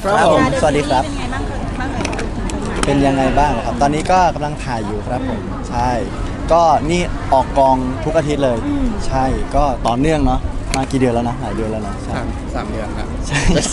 ครับผมสวัสดีครับเป็นยังไงบ้างครับตอนนี้ก็กำลังถ่ายอยู่ครับผมใช่ก็นี่ออกกองทุกอาทิตย์เลย ใช่ก็ต่อเนื่องเนาะมากี่เดือนแล้วนะหลายเดือนแล้วเนาะใช่ 3 เดือนครับใช่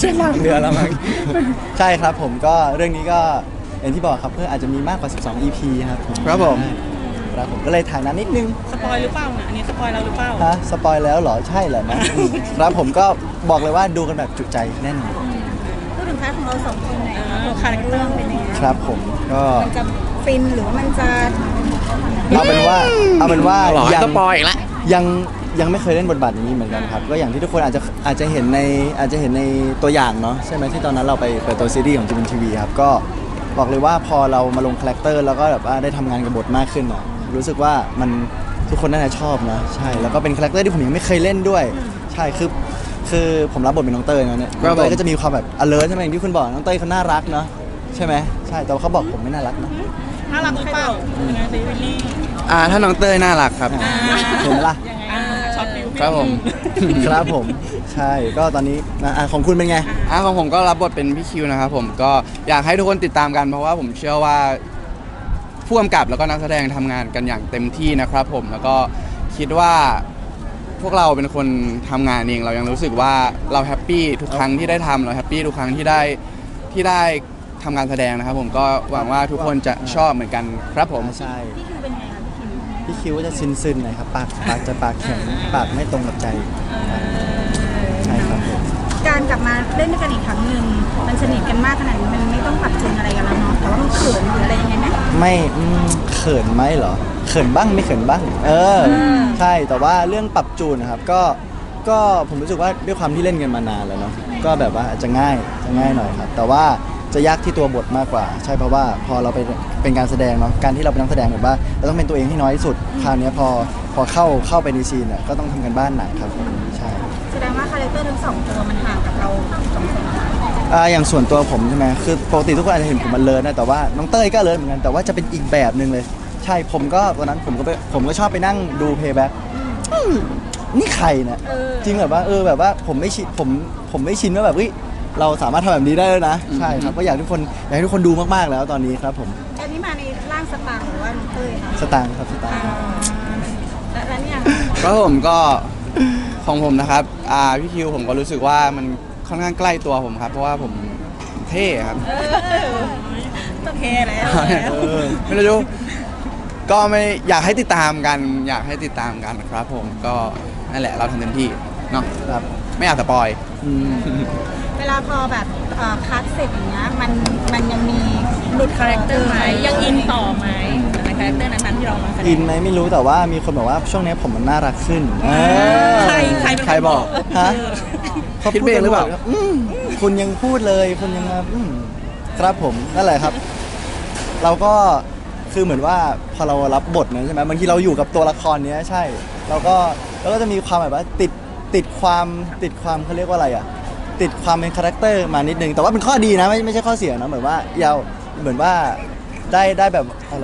3 เดือนแล้วมั้งใช่ครับผมก็เรื่องนี้ก็อย่างที่บอกครับเพื่ออาจจะมีมากกว่า 12 EP ครับครับผมครับผมก็เลยถ่ายนานนิดนึงสปอยหรือเปล่าเนี่ยอันนี้สปอยเราหรือเปล่าฮะสปอยแล้วเหรอใช่เหรอนะครับผมก็บอกเลยว่าดูกันแบบจุใจแน่นอนพูดถึงพาร์ทของเราสองคนหน่อยค่ะคาแรคเตอร์เป็นยังไงครับผมก็มันจะฟินหรือว่ามันจะเอาเป็นว่าหรอยังสปอยอีกแล้วยังไม่เคยเล่นบทบาทนี้เหมือนกันครับก็อย่างที่ทุกคนอาจจะเห็นในตัวอย่างเนาะใช่ไหมที่ตอนนั้นเราไปเปิดตัวซีรีส์ของจีมินทีวีครับก็บอกเลยว่าพอเรามาลงคาแรคเตอร์แล้วก็แบบว่าได้ทำงานกับบทมากขึ้นอ่ะรู้สึกว่ามันทุกคนน่าจะชอบนะใช่แล้วก็เป็นคาแรคเตอร์ที่ผมยังไม่เคยเล่นด้วยใช่คือผมรับบทเป็นน้องเต้ยเนาะเนี่ยน้องเต้ยก็จะมีความแบบ alert ใช่ไหมอย่างที่คุณบอกน้องเต้ยเขาน่ารักเนาะใช่ไหมใช่แต่ว่าเขาบอกผมไม่น่ารักนะน่ารักหรือเปล่ายังไงซีวิลลี่ถ้าน้องเต้ยน่ารักครับเห็นไหมล่ะยังไงช็อตฟิวครับผมครับผมใช่ก็ตอนนี้นะของคุณเป็นไงของผมก็รับบทเป็นพี่คิวนะครับผมก็อยากให้ทุกคนติดตามกันเพราะว่าผมเชื่อว่าผู้กำกับแล้วก็นักแสดงทำงานกันอย่างเต็มที่นะครับผมแล้วก็คิดว่าพวกเราเป็นคนทำงานเองเรายังรู้สึกว่าเราแฮปปี้ทุกครั้งที่ได้ทำเราแฮปปี้ทุกครั้งที่ได้ทำงานแสดงนะครับผมก็หวังว่าทุกคนจะชอบเหมือนกันครับผมใช่พี่คิวเป็นไงคะพี่คิวพี่คิวก็จะซึนๆหน่อยครับปากจะปากแข็งปากไม่ตรงกับใจใช่ครับผมการกลับมาเล่นด้วยกันอีกครั้งหนึ่งมันสนิทกันมากขนาดนี้มันไม่ต้องปรับจูนอะไรกันแล้วเนาะแต่ว่ามันเขินหรืออะไรยังไงไหมไม่เขินไหมเหรอเขินบ้างไม่เขินบ้างใช่แต่ว่าเรื่องปรับจูนนะครับก็ผมรู้สึกว่าด้วยความที่เล่นกันมานานแล้วเนาะก็แบบว่าจะง่ายหน่อยครับแต่ว่าจะยากที่ตัวบทมากกว่า ใช่เพราะว่าพอเราเป็นการแสดงเนาะการที่เราเป็นนักแสดงแบบว่าเราต้องเป็นตัวเองให้น้อยที่สุดคราวนี้พอเข้าไปในซีนเนี่ยก็ต้องทำกันบ้านหนักครับผมใช่แสดงว่าคาแรคเตอร์ทั้งสองตัวมันห่างกับเราสองคนอย่างส่วนตัวผมใช่ไหมคือปกติทุกคนอาจจะเห็นผมมันเลิศนะแต่ว่าน้องเต้ยก็เลิศเหมือนกันแต่ว่าจะเป็นอีกแบบหนึ่งเลยใช่ผมก็ตอนนั้นผมก็ชอบไปนั่งดูเพย์แบ็กนี่ใครเนี่ยจริงแบบว่าผมไม่ชินว่าแบบเราสามารถทำแบบนี้ได้แล้วนะใช่ครับก็อยากให้ทุกคนดูมากๆแล้วตอนนี้ครับผมอันนี้มาในร่างสตางค์หรือว่าน้องเต้ยคะสตางค์ครับสตางค์แล้วเนี่ยก็ผมก็ของผมนะครับพี่คิวผมก็รู้สึกว่ามันค่อนข้างใกล้ตัวผมครับเพราะว่าผมเท่ครับโอเคแล้วไม่รู้ก็ไม่อยากให้ติดตามกันครับผมก็นั่นแหละเราทำเต็มที่เนาะครับไม่อยากสปอยอืมเวลาพอแบบคัดเสร็จอย่างเงี้ยมันยังมีหลุดคาแรคเตอร์ไหมยังอินต่อไหมในคาแรคเตอร์นั้นๆที่เรามาแสดอิงนไหมไม่รู้แต่ว่ามีคนบอกว่าช่วงนี้ผมมันน่ารักขึ้นใครเป็นนใครบอกฮะคิดเองหรือเปล่าคุณยังพูดเลยคุณยังมาครับผมนั่นแหละครับ เราก็คือเหมือนว่าพอเรารับบทนั้นใช่ไหมบางทีเราอยู่กับตัวละครเนี้ยใช่เราก็จะมีความแบบว่าติดความเขาเรียกว่าอะไรอ่ะติดความเป็นคาแรคเตอร์มานิดนึงแต่ว่าเป็นข้อดีนะไม่ใช่ข้อเสียนะเหมือนว่าเหมือนว่าได้แบบอะไร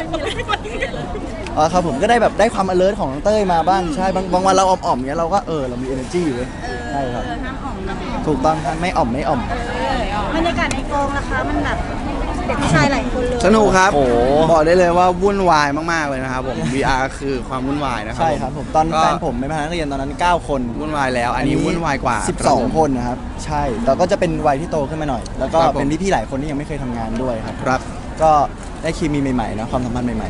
ครับผมก็ได้แบบได้ความ alert ของน้องเต้ยมาบ้างใช่บางวันเราอ่อมๆเงี้ยเราก็เรามี energy อยู่เลยใช่ครับห้ามอ่อมนะถูกต้องครับไม่อ่อมบรรยากาศในกองนะคะมันแบบเด็กผู้ชายหลายคนเลยสนุกครับโอ้โหบอกได้เลยว่าวุ่นวายมากๆเลยนะครับผม VR คือความวุ่นวายนะครับใช่ครับผมตอนก็แฟนผมเป็นพนักเรียนตอนนั้น 9 คนวุ่นวายแล้ว อันนี้วุ่นวายกว่า 12 คนนะครับใช่แต่ก็จะเป็นวัยที่โตขึ้นมาหน่อย แล้วก็ครับผมเป็นพี่ๆหลายคนที่ยังไม่เคยทำงานด้วยครับครับก็ได้เคมีใหม่ๆนะความสัมพันธ์ใหม่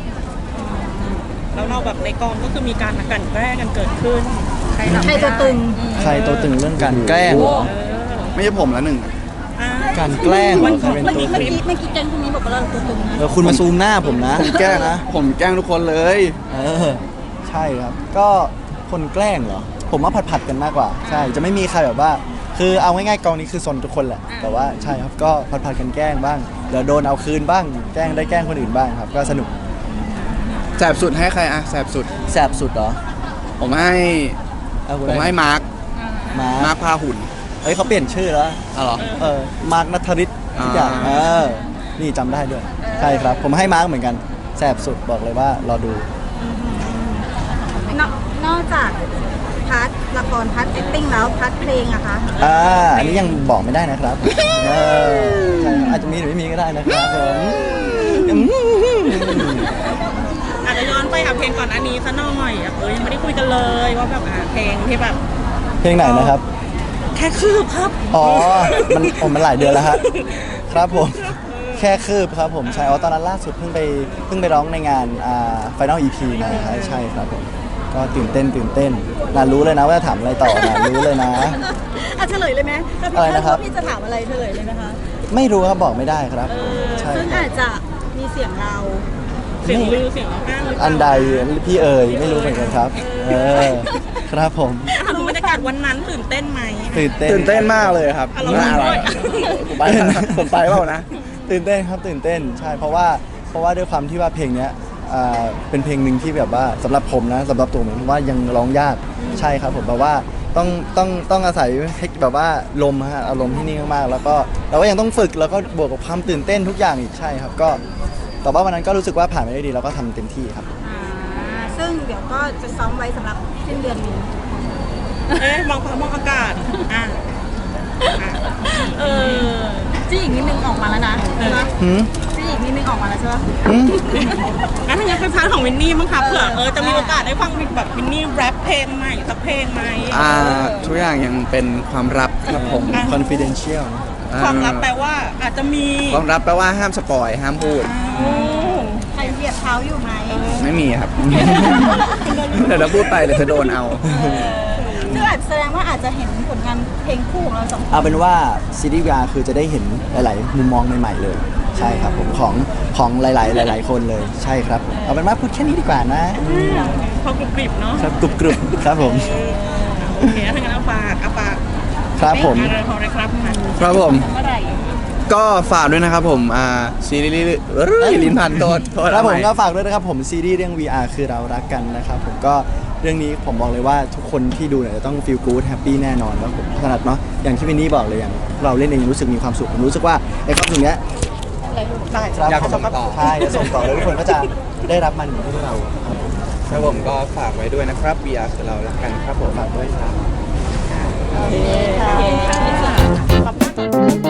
แล้วเราแบบในกองก็คือมีการกลั่นแกล้งกันเกิดขึ้นใครใครตัวตึงๆ ใครตัวตึงเรื่องการแกล้งเหรอไม่ใช่ผมแล้วหนึ่งการแกล้งเหรอใครเป็นเมื่อตัวกี้ตึงแกงคนนี้บอกว่าเราตัวตึงนะคุณมาซูมหน้าผมนะผมแกล้งนะ ผมแกล้งทุกคนเลยใช่ครับก็คนแกล้งเหรอผมว่าผัดๆกันมากกว่าใช่จะไม่มีใครแบบว่า คือเอาง่ายๆกองนี้คือซนทุกคนแหละแต่ว่าใช่ครับก็ผัดๆกันแกล้งบ้างเดี๋ยวโดนเอาคืนบ้างแกล้งคนอื่นบ้างครับก็สนุกแสบสุดให้ใครอะแสบสุดแสบสุดเหรอผมให้เอาคุณผมให้มาร์คมาร์คพาหุ่นเฮ้ยเขาเปลี่ยนชื่อแล้วอ๋อเหรอมาร์คนัทธริศทุกอย่างนี่จำได้ด้วยใช่ครับผมให้มาร์คเหมือนกันแสบสุดบอกเลยว่ารอดูนอกจากพาร์ทละครพาร์ทแอคติ้งแล้วพาร์ทเพลงอะคะอันนี้ยังบอกไม่ได้นะครับเออใช่อาจจะมีหรือไม่มีก็ได้นะครับผมอืมอาจจะย้อนไปหาเพลงก่อนอันนี้ซะหน่อยยังไม่ได้คุยกันเลยว่าแบบเพลงที่แบบเพลงไหนนะครับแค่คืบครับอ๋อ มันหลายเดือนแล้วฮะครับผม แค่คืบครับผมใช่ตอนนั้นล่าสุดเพิ่งไปร้องในงานFinal EP มาครับใช่ครับผมก็ตื่นเต้นน่ารู้เลยนะว่าจะถามอะไรต่อนะรู้เลยนะเฉลยเลยไหมถ้าอะไรนะครับพี่จะถามอะไรเฉลยเลยนะคะไม่รู้ครับบอกไม่ได้ครับใช่ซึ่งครับอาจจะมีเสียงเราเสียงลือเสียงอ้างหรือเปล่าอันใดพี่เอ๋ยไม่รู้เหมือนกันครับครับผมถามถึงบรรยากาศวันนั้นตื่นเต้นไหมตื่นเต้นตื่นเต้นมากเลยครับอ่ะเราน่าอะไรด้วยผมไปผมไปเปล่านะตื่นเต้นครับตื่นเต้นใช่เพราะว่าด้วยความที่ว่าเพลงเนี้ยเป็นเพลงหนึ่งที่แบบว่าสำหรับผมนะสำหรับตัวผมว่ายังร้องยากใช่ครับผมแบบว่าต้องอาศัยแบบว่าลมฮะอารมณ์ที่นี่มากๆแล้วก็เราก็ยังต้องฝึกแล้วก็บวกกับความตื่นเต้นทุกอย่างอีกใช่ครับก็แต่ว่าวันนั้นก็รู้สึกว่าผ่านไปได้ดีแล้วก็ทำเต็มที่ครับซึ่งเดี๋ยวก็จะซ้อมไว้สำหรับสิ้นเดือนนี้มองฟ้ามองอากาศจี้อีกนิดนึงออกมาแล้วนะใช่ไหมหืมจี้อีกนิดนึงออกมาแล้วใช่ไหมหืมงั้นถ้างั้นเป็นพาร์ทของวินนี่มั้งคะเผื่อจะมีโอกาสได้ฟังแบบวินนี่แรปเพลงใหม่สักเพลงไหมทุกอย่างยังเป็นความลับครับผม confidential ความลับแปลว่าอาจจะมีความลับแปลว่าห้ามสปอยห้ามพูดใครเหยียบเท้าอยู่ไหมไม่มีครับ เดี๋ยวเราพูดไปเดี๋ยวจะโดนเอาซึ่งอาจแสดงว่าอาจจะเห็นผลงานเพลงคู่ของเราสองคนเอาเป็นว่าซีรีส์ VR คือจะได้เห็นหลาย ๆ มุมมองใหม่ ๆ เลย ใช่ครับผมของหลาย ๆ คนเลยใช่ครับผมเอาเป็นว่าพูดแค่นี้ดีกว่านะพอกรุบกริบเนาะครับกรุบครับผมโอเคถ้างั้นเอาฝากครับผมอะไรของอะไรครับมาครับผมเมื่อไหร่ก็ฝากด้วยนะครับผมซีรีส์ลิ้นพันโทษครับผมเอาใหก็ฝากด้วยนะครับผมซีรีส์เรื่อง VR คือเรารักกันนะครับผมก็เรื่องนี้ผมบอกเลยว่าทุกคนที่ดูเนี่ยจะต้อง feel good happy แน่นอนครับผมขนาดเนาะอย่างที่วินนี่บอกเลยอย่างเราเล่นเองรู้สึกมีความสุขผมรู้สึกว่าไอ้ความสุขเนี้ยได้ครับอยากส่งต่อใช่จะส่งต่อแล้วทุกคนก็จะได้รับมันเหมือนที่เราครับผมครับผมก็ฝากไว้ด้วยนะครับ VR คือเรารักกันครับผมฝากด้วยครับโอเคค่ะ